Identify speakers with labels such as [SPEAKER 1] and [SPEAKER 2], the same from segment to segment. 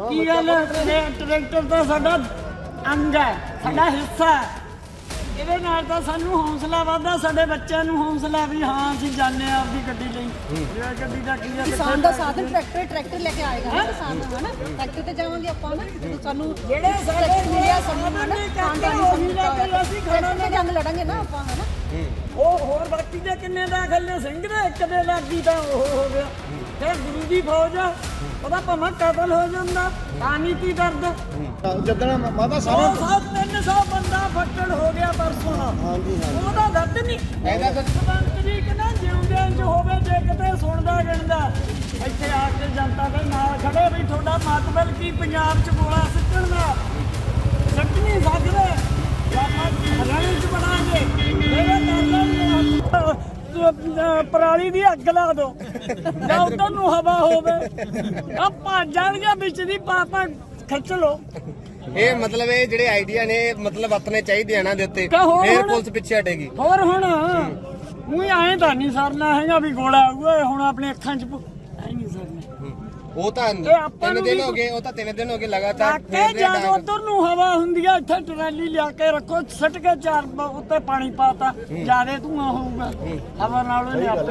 [SPEAKER 1] ਕੀ ਗੱਲ ਟਰੈਕਟਰ ਤਾਂ ਸਾਡਾ ਅੰਗ ਹੈ, ਸਾਡਾ ਹਿੱਸਾ ਹੈ। ਇਹਦੇ ਨਾਲ ਤਾਂ ਸਾਨੂੰ ਹੌਸਲਾ ਵੱਧਦਾ, ਸਾਡੇ ਬੱਚਿਆਂ ਨੂੰ ਹੌਸਲਾ ਵੀ ਹਾਂ ਅਸੀਂ ਜਾਂਦੇ ਆ ਆਪਦੀ ਗੱਡੀ ਲਈ। ਜਿਹੜਾ ਗੱਡੀ ਦਾ ਕੀ ਹੈ,
[SPEAKER 2] ਕਿਸਾਨ ਦਾ ਸਾਧਨ ਟਰੈਕਟਰ ਲੈ ਕੇ ਆਏਗਾ ਨਾ ਕਿਸਾਨ ਨੂੰ, ਹੈ ਨਾ। ਟਰੈਕਟਰ ਤੇ ਜਾਵਾਂਗੇ ਆਪਾਂ ਨਾ, ਜਦੋਂ ਸਾਨੂੰ
[SPEAKER 1] ਜਿਹੜੇ ਸਾਡੇ
[SPEAKER 2] ਮਿਲਿਆ ਸਾਨੂੰ ਹੈ ਨਾ, ਖਾਨਦਾਨੀ ਅਸੀਂ ਖੜਾ ਕੇ ਜੰਗ ਲੜਾਂਗੇ ਨਾ ਆਪਾਂ, ਹੈ ਨਾ।
[SPEAKER 1] ਉਹ ਹੋਰ ਬਾਕੀ ਦੇ ਕਿੰਨੇ ਦਾਖਲ ਨੇ, ਸਿੰਘ ਦੇ ਇੱਕ ਦੇ ਲੱਗੀ ਤਾਂ ਉਹ ਹੋ ਗਿਆ। ਫਿਰ ਗੁਰੂ ਦੀ ਫੌਜ ਉਹਦਾ ਭਾਵੇਂ ਕਤਲ ਹੋ ਜਾਂਦਾ, ਤਾਂ ਨਹੀਂ ਕੀ ਦਰਦ।
[SPEAKER 3] ਜਦੋਂ ਮਾਤਾ
[SPEAKER 1] 300 ਬੰਦਾ ਫੱਟੜ ਹੋ ਗਿਆ ਪਰਸੋਂ। ਉਹਦਾ ਦਰਦ ਨਹੀਂ ਇਹਦਾ ਮੰਤਰੀ ਕਿ ਨਾ ਜਿਉਂਦਿਆਂ ਚ ਹੋਵੇ, ਜੇ ਕਿਤੇ ਸੁਣਦਾ ਗਿਣਦਾ ਇੱਥੇ ਆ ਕੇ ਜਨਤਾ ਦੇ ਨਾਲ ਖੜੇ ਵੀ ਤੁਹਾਡਾ ਮਤਲਬ ਕੀ ਪੰਜਾਬ ਚ ਗੋਲਾ ਸਿੱਟਣ ਦਾ। ਸਿੱਟ ਨਹੀਂ ਸਕਦੇ, ਹਰਿਆਣੇ ਚ ਬਣਾਂਗੇ ਪਰਾਲੀ ਦੀ ਅੱਗ ਲਾ ਦੋ ਜਾਂ ਉਧਰ ਨੂੰ ਹਵਾ ਹੋਵੇ, ਆ ਭੱਜ ਜਾਣਗੇ ਵਿੱਚ ਦੀ ਪਾਪਾ ਖਿੱਚ ਲੋ।
[SPEAKER 4] ਇਹ ਮਤਲਬ ਇਹ ਜਿਹੜੇ ਆਈਡੀਆ ਨੇ ਮਤਲਬ ਆਪਣੇ ਚਾਹੀਦੇ ਆ ਨਾ ਦੇ ਉੱਤੇ, ਫੇਰ ਪੁਲਿਸ ਪਿੱਛੇ ਹਟੇਗੀ।
[SPEAKER 1] ਹੋਰ ਹੁਣ ਉਹੀ ਆਏ ਤਾਂ ਨਹੀਂ ਸਰਨਾ ਹੈਗਾ ਵੀ ਗੋਲਾ ਆਊਗਾ ਹੁਣ ਆਪਣੇ ਅੱਖਾਂ 'ਚ ਆਈ ਨਹੀਂ ਸਰਨਾ।
[SPEAKER 4] ਉਹ ਤਾਂ 3 ਦਿਨ ਹੋ ਗਏ, ਉਹ ਤਾਂ 3 ਦਿਨ ਹੋ ਗਏ ਲਗਾਤਾਰ।
[SPEAKER 1] ਜਦ ਉਧਰ ਨੂੰ ਹਵਾ ਹੁੰਦੀ ਆ, ਇੱਥੇ ਟਰਾਲੀ ਲਿਆ ਕੇ ਰੱਖੋ, ਸੱਟ ਕੇ 4 ਉੱਤੇ ਪਾਣੀ ਪਾਤਾ, ਜਿਆਦੇ ਧੂਆਂ ਹੋਊਗਾ ਹਵਾ ਨਾਲ।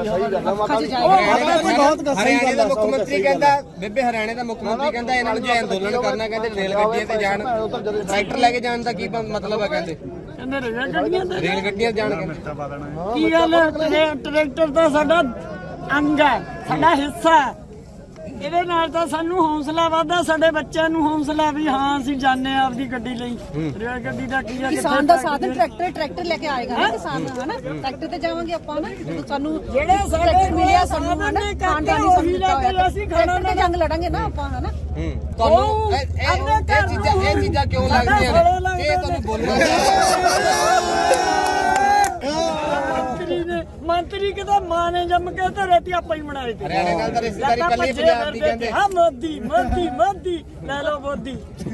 [SPEAKER 4] ਹਰਿਆਣੇ ਦਾ ਮੁੱਖ ਮੰਤਰੀ ਕਹਿੰਦਾ, ਬੇਬੇ ਹਰਿਆਣੇ ਦਾ ਮੁੱਖ ਮੰਤਰੀ ਕਹਿੰਦਾ ਇਹਨਾਂ ਨੂੰ ਜੇ ਅੰਦੋਲਨ ਕਰਨਾ ਕਹਿੰਦੇ ਰੇਲ ਗੱਡੀਆਂ ਤੇ ਜਾਣ, ਟਰੈਕਟਰ ਲੈ ਕੇ ਜਾਣ ਦਾ ਕੀ ਮਤਲਬ ਹੈ? ਕਹਿੰਦੇ ਰੇਲ ਗੱਡੀਆਂ ਜਾਣਗੇ।
[SPEAKER 1] ਕੀ ਗੱਲ ਟਰੈਕਟਰ ਤਾਂ ਸਾਡਾ ਅੰਗ ਹੈ, ਸਾਡਾ ਹਿੱਸਾ ਹੈ। ਇਹਦੇ ਨਾਲ ਤਾਂ ਸਾਨੂੰ ਹੌਸਲਾ ਵੱਧਦਾ, ਸਾਡੇ ਬੱਚਿਆਂ ਨੂੰ ਹੌਸਲਾ ਵੀ ਹਾਂ ਅਸੀਂ ਜਾਂਦੇ ਆ ਆਪਦੀ ਗੱਡੀ ਲਈ। ਰੇਲ ਗੱਡੀ ਦਾ ਕੀ ਹੈ,
[SPEAKER 2] ਕਿਸਾਨ ਦਾ ਸਾਧਨ ਟਰੈਕਟਰ ਲੈ ਕੇ ਆਏਗਾ ਨਾ ਕਿਸਾਨ, ਹੈ ਨਾ। ਟਰੈਕਟਰ ਤੇ ਜਾਵਾਂਗੇ ਆਪਾਂ ਨਾ, ਜਦੋਂ ਸਾਨੂੰ
[SPEAKER 1] ਜਿਹੜੇ ਸਾਡੇ
[SPEAKER 2] ਮਿਲਿਆ ਸਾਨੂੰ ਹੈ ਨਾ, ਖਾਨਦਾਨੀ
[SPEAKER 1] ਅਸੀਂ
[SPEAKER 2] ਟਰੈਕਟਰ ਤੇ ਜੰਗ ਲੜਾਂਗੇ ਨਾ ਆਪਾਂ, ਹੈ ਨਾ।
[SPEAKER 4] ਤੁਹਾਨੂੰ ਇਹ ਚੀਜ਼ਾਂ ਕਿਉਂ ਲੱਗਦੀਆਂ ਨੇ? ਇਹ ਤੁਹਾਨੂੰ ਬੋਲਣਾ
[SPEAKER 1] ਮੰਤਰੀ ਕਿਦਾ ਮਾਂ ਨੇ ਜੰਮ ਕੇ ਤੇ ਰੇਤੀ ਆਪਾਂ ਹੀ ਬਣਾਏ ਤੇ।
[SPEAKER 4] ਹਰਿਆਣੇ ਨਾਲ ਤਾਂ ਰਿਸ਼ਤੇਦਾਰੀ ਕੱਲੀ ਪੰਜਾਬ ਦੀ ਕਹਿੰਦੇ।
[SPEAKER 1] ਹਾਂ ਮੋਦੀ ਮੋਦੀ ਮੋਦੀ ਲੈ ਲਓ ਮੋਦੀ।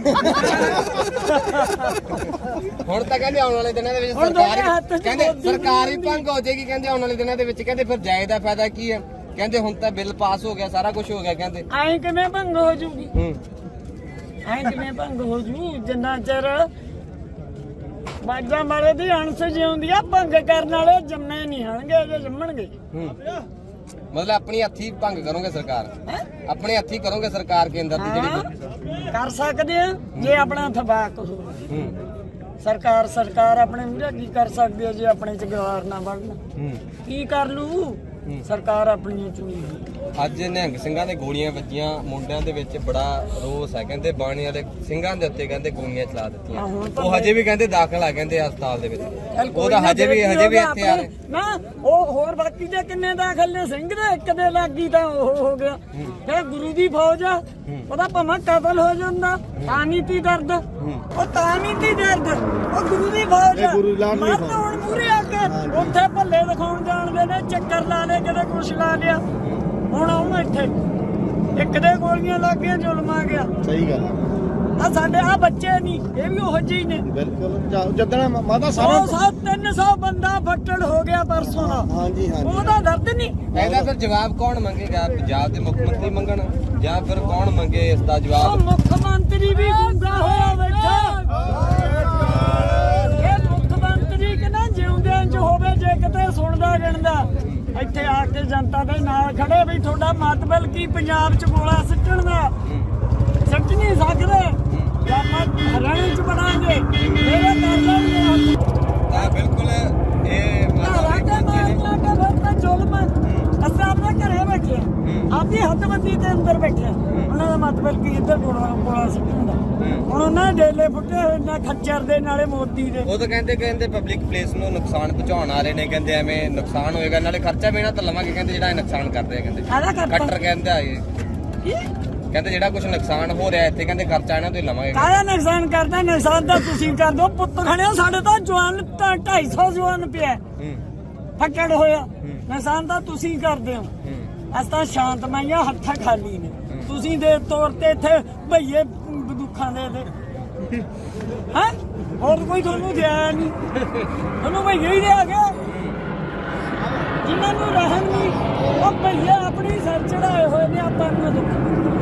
[SPEAKER 4] ਹੁਣ ਤਾਂ ਕਹਿੰਦੇ ਆਉਣ ਵਾਲੇ ਦਿਨਾਂ ਦੇ ਵਿੱਚ ਸਰਕਾਰ ਹੀ ਭੰਗ ਹੋ ਜਾਏਗੀ। ਕਹਿੰਦੇ ਆਉਣ ਵਾਲੇ ਦਿਨਾਂ ਦੇ ਵਿੱਚ ਕਹਿੰਦੇ ਫਿਰ ਜਾਏ ਦਾ ਫਾਇਦਾ ਕੀ ਹੈ? ਕਹਿੰਦੇ ਹੁਣ ਤਾਂ ਬਿੱਲ ਪਾਸ ਹੋ ਗਿਆ, ਸਾਰਾ ਕੁਝ ਹੋ ਗਿਆ। ਕਹਿੰਦੇ
[SPEAKER 1] ਐਂ ਕਿਵੇਂ ਭੰਗ ਹੋ ਜੂਗੀ? ਐਂ ਕਿਵੇਂ ਭੰਗ ਹੋ ਜੂ? ਜਿੰਨਾ ਚਿਰ ਬਾਜਾਂ ਵਾਲੇ ਦੀ ਅਣਸ ਜਿਉਂਦੀ ਆ, ਭੰਗ ਕਰਨ ਵਾਲੇ ਜੰਮੇ ਨਹੀਂ ਹਣਗੇ, ਜੇ ਜੰਮਣਗੇ।
[SPEAKER 4] ਮਤਲਬ ਆਪਣੀ ਹੱਥੀ ਭੰਗ ਕਰੋਗੇ ਸਰਕਾਰ, ਆਪਣੇ ਹੱਥੀ ਕਰੋਗੇ ਸਰਕਾਰ ਕੇਂਦਰ ਦੀ ਜਿਹੜੀ
[SPEAKER 1] ਕਰ ਸਕਦੇ ਆ ਜੇ ਆਪਣਾ ਥਬਾਕ ਹੋਵੇ। ਸਰਕਾਰ ਆਪਣੇ ਮੂਹਰੇ ਕੀ ਕਰ ਸਕਦੀ ਹੈ ਜੇ ਆਪਣੇ ਚ ਗਵਾਰ ਨਾ ਬਣਨ? ਕੀ ਕਰ ਲੂ ਸਰਕਾਰ ਆਪਣੀਆਂ ਚੁਣੀ?
[SPEAKER 4] ਅੱਜ ਨਿਹੰਗ ਸਿੰਘਾਂ ਦੇ ਗੋਲੀਆਂ ਵੱਜੀਆਂ, ਮੁੰਡਿਆਂ ਦੇ ਵਿੱਚ ਬੜਾ ਰੋਸ ਹੈ। ਕਹਿੰਦੇ ਬਾਣੀ ਵਾਲੇ ਸਿੰਘਾਂ ਦੇ ਉੱਤੇ ਕਹਿੰਦੇ ਗੋਲੀਆਂ ਚਲਾ ਦਿੱਤੀਆਂ। ਉਹ ਹਜੇ ਵੀ ਕਹਿੰਦੇ ਦਾਖਲ ਆ, ਕਹਿੰਦੇ ਹਸਪਤਾਲ ਦੇ ਵਿੱਚ। ਉਹਦਾ ਹਜੇ ਵੀ ਇੱਥੇ ਆ
[SPEAKER 1] ਨਾ। ਉਹ ਹੋਰ ਬਾਕੀ ਦੇ ਕਿੰਨੇ ਦਾਖਲ ਨੇ, ਸਿੰਘ ਦੇ ਇੱਕ ਦੇ ਲੱਗੀ ਤਾਂ ਉਹ ਹੋ ਗਿਆ। ਫਿਰ ਗੁਰੂ ਦੀ ਫੌਜ ਉਹਦਾ ਭਾਵੇਂ ਕਤਲ ਹੋ ਜਾਂਦਾ, ਤਾਂ ਨਹੀਂ ਤੀ ਦਰਦ। ਉਹ ਤਾਂ ਨਹੀਂ ਤੀ ਦਰਦ, ਉਹ ਗੁਰੂ ਦੀ ਫੌਜ ਮਰਦ ਹੁਣ ਪੂਰੇ ਆ ਕੇ ਉੱਥੇ ਭੱਲੇ ਦਿਖਾਉਣ ਜਾਣਦੇ ਨੇ, ਚੱਕਰ ਲਾ ਲੈ ਕਦੇ ਕੁਛ ਲਾ ਲਿਆ। ਹੁਣ ਆਉਣਾ ਇੱਥੇ ਇੱਕ ਦੇ ਗੋਲੀਆਂ ਲੱਗ ਗਈਆਂ, ਜ਼ੁਲਮ ਆ ਗਿਆ।
[SPEAKER 3] ਸਹੀ ਗੱਲ
[SPEAKER 1] ਆ ਸਾਡੇ ਆ ਬੱਚੇ ਨਹੀਂ, ਇਹ ਵੀ ਉਹੋ ਜਿਹੇ ਨੇ।
[SPEAKER 3] ਬਿਲਕੁਲ। ਜਦੋਂ ਮਾਤਾ
[SPEAKER 1] 300 ਬੰਦਾ ਫੱਟੜ ਹੋ ਗਿਆ ਪਰਸੋਂ ਦਾ। ਉਹਦਾ ਦਰਦ ਨਹੀਂ।
[SPEAKER 4] ਇਹਦਾ ਫਿਰ ਜਵਾਬ ਕੌਣ ਮੰਗੇਗਾ? ਪੰਜਾਬ ਦੇ ਮੁੱਖ ਮੰਤਰੀ ਮੰਗਣ ਜਾਂ ਫਿਰ ਕੌਣ ਮੰਗੇ ਇਸ ਦਾ ਜਵਾਬ?
[SPEAKER 1] ਮੁੱਖ ਮੰਤਰੀ ਵੀ ਗੁੰਗਾ ਹੋਇਆ ਬੈਠਾ। ਇਹ ਮੁੱਖ ਮੰਤਰੀ ਕਿ ਨਾ ਜਿਉਂਦਿਆਂ ਚ ਹੋਵੇ, ਜੇ ਕਿਤੇ ਸੁਣਦਾ ਗਿਣਦਾ ਇੱਥੇ ਆ ਕੇ ਜਨਤਾ ਦੇ ਨਾਲ ਖੜੇ ਵੀ ਤੁਹਾਡਾ ਮਤਲਬ ਕੀ ਪੰਜਾਬ ਚ ਗੋਲਾ ਸਿੱਟਣ ਦਾ। ਸਿੱਟ ਨਹੀਂ ਸਕਦੇ, ਹਰਿਆਣੇ ਚ ਬਣਾਂਗੇ ਮੇਰੇ ਨਾਲ।
[SPEAKER 4] ਤਾਂ ਬਿਲਕੁਲ ਇਹ
[SPEAKER 1] ਜ਼ੁਲਮ ਅਸੀਂ ਆਪਣੇ ਘਰੇ ਬੈਠੇ, ਆਪਦੀ ਹੱਦਬੰਦੀ ਦੇ ਅੰਦਰ ਬੈਠੇ। ਉਹਨਾਂ ਦਾ ਮਤਲਬ ਕੀ ਇੱਧਰ ਗੋਲਾ ਸਿੱਟਣ ਦਾ। ਹੁਣ ਉਹਨਾਂ ਦੇ ਡੇਲੇ ਫੁੱਟੇ ਹੋਏ ਨਾ ਖੱਚਰ ਦੇ, ਨਾਲੇ ਮੋਦੀ ਦੇ।
[SPEAKER 4] ਉਹ ਤਾਂ ਕਹਿੰਦੇ ਪਬਲਿਕ ਪਲੇਸ ਨੂੰ ਨੁਕਸਾਨ ਪਹੁੰਚਾਉਣ ਆ ਰਹੇ ਨੇ। ਕਹਿੰਦੇ ਐਵੇਂ ਨੁਕਸਾਨ ਹੋਏਗਾ, ਨਾਲੇ ਖਰਚਾ ਵੀ ਇਹਨਾਂ ਤਾਂ ਲਵਾਂਗੇ। ਕਹਿੰਦੇ ਜਿਹੜਾ ਇਹ ਨੁਕਸਾਨ ਕਰਦੇ ਆ, ਕਹਿੰਦੇ ਕੱਟਰ ਕਹਿੰਦੇ ਆ ਇਹ, ਕਹਿੰਦੇ ਜਿਹੜਾ ਕੁਝ ਨੁਕਸਾਨ ਹੋ ਰਿਹਾ ਇੱਥੇ, ਕਹਿੰਦੇ ਖਰਚਾ ਇਹਨਾਂ ਤੋਂ ਹੀ ਲਵਾਂਗੇ।
[SPEAKER 1] ਕਾਹਦਾ ਨੁਕਸਾਨ ਕਰਦਾ? ਨੁਕਸਾਨ ਤਾਂ ਤੁਸੀਂ ਕਰ ਦੋ। ਪੁੱਤ ਖੜਿਆ ਸਾਡੇ ਤਾਂ ਜਵਾਨ 250 ਜਵਾਨ ਪਿਆ ਫੱਟੜ ਹੋਇਆ। ਨੁਕਸਾਨ ਤਾਂ ਤੁਸੀਂ ਕਰਦੇ ਹੋ। ਅਸੀਂ ਤਾਂ ਸ਼ਾਂਤਮਈਆ, ਹੱਥਾਂ ਖਾਲੀ ਨੇ। ਤੁਸੀਂ ਦੇ ਤੌਰ ਤੇ ਇੱਥੇ ਭਈਏ ਬੰਦੂਕਾਂ ਦੇ ਹੈ, ਹੋਰ ਕੋਈ ਤੁਹਾਨੂੰ ਦਿਆ ਨਹੀਂ। ਤੁਹਾਨੂੰ ਭਈਏ ਹੀ ਦਿਆ ਗਿਆ ਜਿਨ੍ਹਾਂ ਨੂੰ ਰਹਿਣ ਨਹੀਂ। ਉਹ ਭਈਏ ਆਪਣੀ ਸਿਰ ਚੜਾਏ ਹੋਏ ਨੇ, ਆਪਾਂ ਨੂੰ ਦੁੱਖ